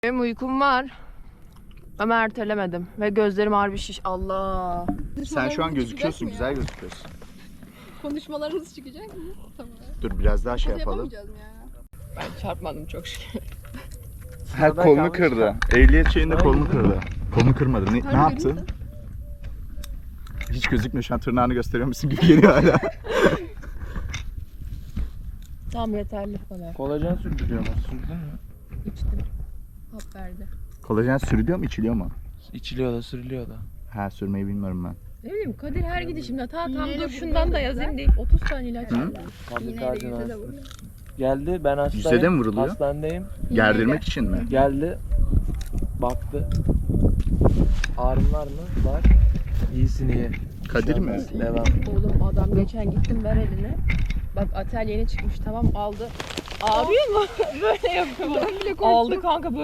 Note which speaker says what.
Speaker 1: Benim uykum var. Ama ertelemedim. Ve gözlerim harbi şiş. Allah.
Speaker 2: Sen şu an gözüküyorsun, güzel gözüküyorsun.
Speaker 3: Konuşmalarınız çıkacak mı? Tamam.
Speaker 2: Dur biraz daha şey
Speaker 3: Hadi
Speaker 2: yapalım.
Speaker 3: yapamayacağız mı ya?
Speaker 1: Ben çarpmadım çok şükür.
Speaker 2: Ha, kolunu kırdı. Ehliyet şeyinde kolunu kırdı. Kolunu kırmadı. Ne yaptın? Hiç gözükmüyor şu an, tırnağını gösteriyor musun gibi geliyor hala.
Speaker 1: Tamam yeterli bana.
Speaker 4: Kolajen sürdürüyor mu? Sürdün mü?
Speaker 1: İçtim. Hap verdi.
Speaker 2: Kolajen sürülüyor mu, içiliyor mu?
Speaker 4: İçiliyor da sürülüyor da.
Speaker 2: Ha, sürmeyi bilmiyorum ben.
Speaker 1: Ne bileyim Kadir her gidişimde tam
Speaker 3: İğneyle
Speaker 1: dur şundan da yazayım deyip 30 tane ilaç aldı.
Speaker 3: İğneyle yüze de vurdu.
Speaker 4: Geldi, ben hastayım.
Speaker 2: Yüzde de mi vuruluyor?
Speaker 4: Hastanedeyim.
Speaker 2: Gerdirmek için mi?
Speaker 4: Geldi. Baktı. Ağrın var mı? Var. İyisin iyi.
Speaker 2: Kadir mi?
Speaker 4: Devam.
Speaker 1: Oğlum adam geçen gittim ver eline. Bak atel yeni çıkmış tamam aldı. Ağrıyor mu? Böyle yapıyor. Aldı kanka böyle.